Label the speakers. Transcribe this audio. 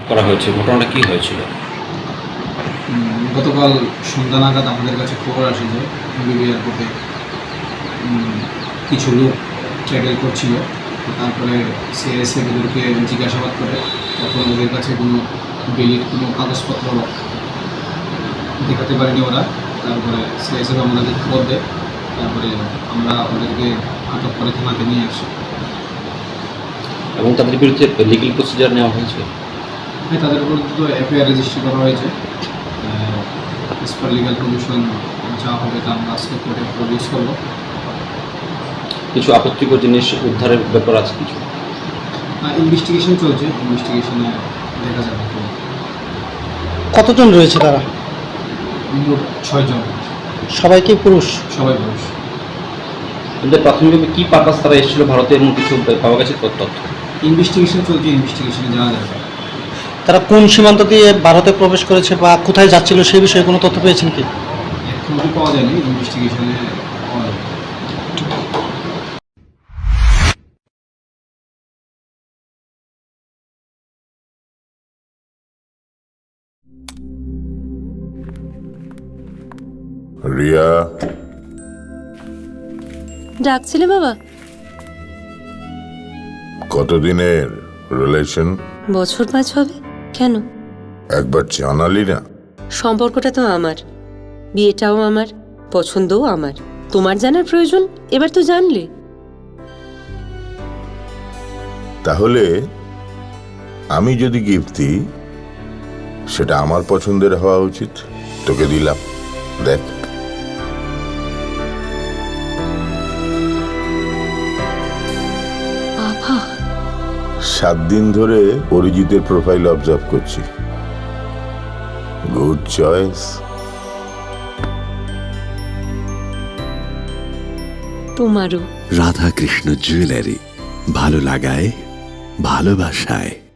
Speaker 1: করা হয়েছে, ঘটনাটা কী হয়েছিল?
Speaker 2: গতকাল সন্ধ্যা নাগাদ আমাদের কাছে খবর আসে যে বিবি এয়ারপোর্টে কিছু লোক ট্র্যাভেল করছিল। তো তারপরে সিআইএসএফ ওদেরকে জিজ্ঞাসাবাদ করে, তখন ওদের কাছে কোনো বেলির কোনো কাগজপত্র দেখাতে পারেনি ওরা। তারপরে সিআইএসএফ আমাদেরকে খবর দেয়, তারপরে আমরা ওদেরকে আটক করে থানাতে নিয়ে আসি।
Speaker 1: এবং তাদের বিরুদ্ধে লিগ্যাল প্রসিজার নেওয়া হয়েছে?
Speaker 2: হ্যাঁ, তাদের বিরুদ্ধে তো এফআইআর রেজিস্ট্রি করা হয়েছে। এস পার লিগাল প্রভিশন যা হবে তা আমরা আজকে কোর্টে প্রডিউস করবো।
Speaker 1: কিছু আপত্তিকর জিনিস উদ্ধারের ব্যাপার আছে কিছু?
Speaker 2: ইনভেস্টিগেশন চলছে, ইনভেস্টিগেশনে দেখা যাবে।
Speaker 3: কতজন রয়েছে তারা?
Speaker 2: মোট 6 জন,
Speaker 3: সবাই কি পুরুষ?
Speaker 2: সবাই পুরুষ।
Speaker 1: কিন্তু প্রাথমিকভাবে কী পারপাস তারা এসেছিল ভারতে, এমন কিছু পাওয়া গেছে তথ্য?
Speaker 2: ইনভেস্টিগেশন চলছে, ইনভেস্টিগেশনে যাওয়া যাবে।
Speaker 3: তারা কোন সীমান্ত দিয়ে ভারতে প্রবেশ করেছে বা কোথায় যাচ্ছিল সেই বিষয়ে কোনো তথ্য পেয়েছেন কি?
Speaker 2: এখনো পাওয়া যায়নি, ইনভেস্টিগেশনে পাওয়া যাবে।
Speaker 4: রিয়া,
Speaker 5: ডাকছিলে বাবা?
Speaker 4: কতদিনের রিলেশন?
Speaker 5: বছর 5 হবে। কেন?
Speaker 4: একবার জানালি না?
Speaker 5: সম্পর্কটা তো আমার, বিয়েটাও আমার, পছন্দও আমার। তোমার জানার প্রয়োজন এবার তো জানলে।
Speaker 4: তাহলে আমি যদি গিফট দিই সেটা আমার পছন্দের হওয়া উচিত। তোকে দিলাম, দেখ।
Speaker 5: বাবা,
Speaker 4: 7 দিন ধরে অরিজিতের প্রোফাইল অবজার্ভ করছি। Good choice.
Speaker 5: তোমারও।
Speaker 6: রাধাকৃষ্ণ জুয়েলারি, ভালো লাগায় ভালোবাসায়।